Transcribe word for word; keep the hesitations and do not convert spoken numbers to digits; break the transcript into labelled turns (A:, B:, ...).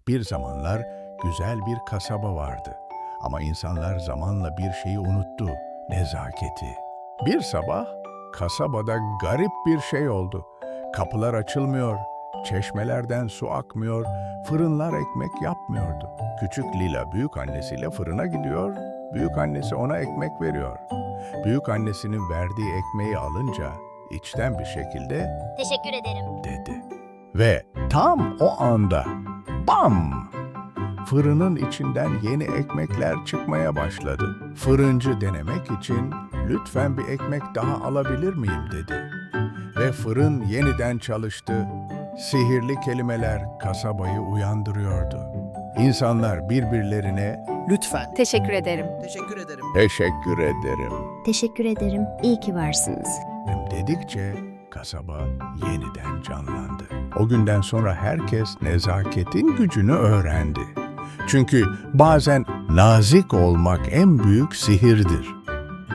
A: Bir zamanlar güzel bir kasaba vardı. Ama insanlar zamanla bir şeyi unuttu, nezaketi. Bir sabah kasabada garip bir şey oldu. Kapılar açılmıyor, çeşmelerden su akmıyor, fırınlar ekmek yapmıyordu. Küçük Lila büyük annesiyle fırına gidiyor, büyük annesi ona ekmek veriyor. Büyük annesinin verdiği ekmeği alınca içten bir şekilde
B: Teşekkür ederim.
A: dedi. Ve tam o anda bam! Fırının içinden yeni ekmekler çıkmaya başladı. Fırıncı denemek için lütfen bir ekmek daha alabilir miyim dedi. Ve fırın yeniden çalıştı. Sihirli kelimeler kasabayı uyandırıyordu. İnsanlar birbirlerine
C: Lütfen.
D: Teşekkür ederim.
C: Teşekkür ederim.
A: teşekkür ederim
B: Teşekkür ederim. İyi ki varsınız.
A: dedikçe kasaba yeniden canlandı. O günden sonra herkes nezaketin gücünü öğrendi. Çünkü bazen nazik olmak en büyük sihirdir.